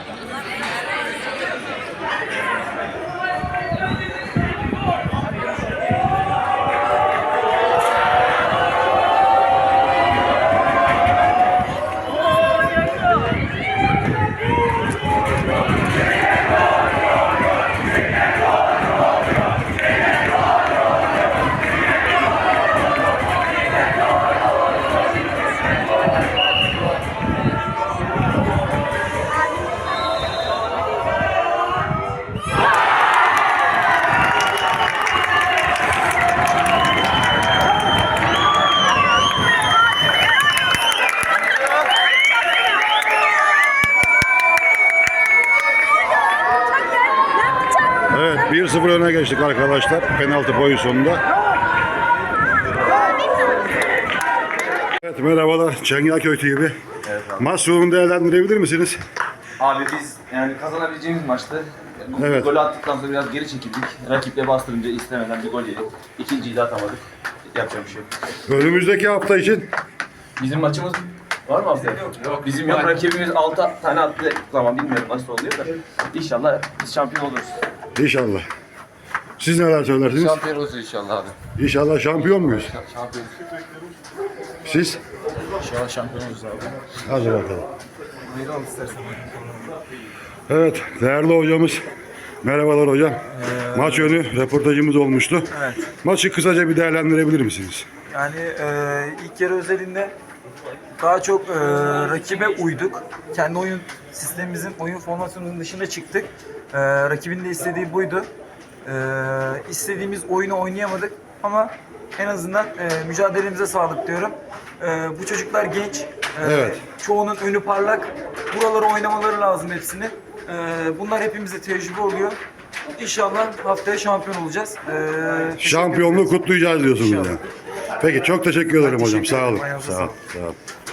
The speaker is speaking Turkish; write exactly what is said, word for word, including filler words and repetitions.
Evet, bir sıfır öne geçtik arkadaşlar penaltı pozisyonunda. Evet, merhabalar Çengelköy T V. Evet abi. Maç sonunu değerlendirebilir misiniz? Abi biz yani kazanabileceğimiz maçtı. Bu Evet. golü attıktan sonra biraz geri çekildik. Rakiple bastırınca istemeden bir gol yedik. İkinciyi de atamadık. Yapacak bir şey yok. Önümüzdeki hafta için Bizim maçımız var mı haftaya? Yok. yok. Bizim yok. Rakibimiz altı tane attığı zaman bilmiyorum nasıl oluyor da. İnşallah biz şampiyon oluruz. inşallah. Siz neler söylersiniz? Şampiyon olsun inşallah abi. İnşallah şampiyon muyuz? Şampiyon. Siz? İnşallah şampiyon oluruz abi. Hadi bakalım. Evet, değerli hocamız. Merhabalar hocam. Ee, Maç önü röportajımız olmuştu. Evet. Maçı kısaca bir değerlendirebilir misiniz? Yani e, ilk yarı özelinde daha çok e, rakibe uyduk. Kendi oyun sistemimizin, oyun formasyonunun dışına çıktık. E, rakibin de istediği buydu. E, istediğimiz oyunu oynayamadık ama en azından e, mücadelemize sağlık diyorum. E, bu çocuklar genç. E, Evet. Çoğunun önü parlak. Buraları oynamaları lazım hepsini. E, bunlar hepimize tecrübe oluyor. İnşallah haftaya şampiyon olacağız. E, teşekkür Şampiyonluğu ederiz. kutlayacağız diyorsunuz İnşallah. yani. Peki çok teşekkür ederim hocam. teşekkür Sağ olun. ederim. Ayağınıza Sağ olun. sağlık. Sağ olun.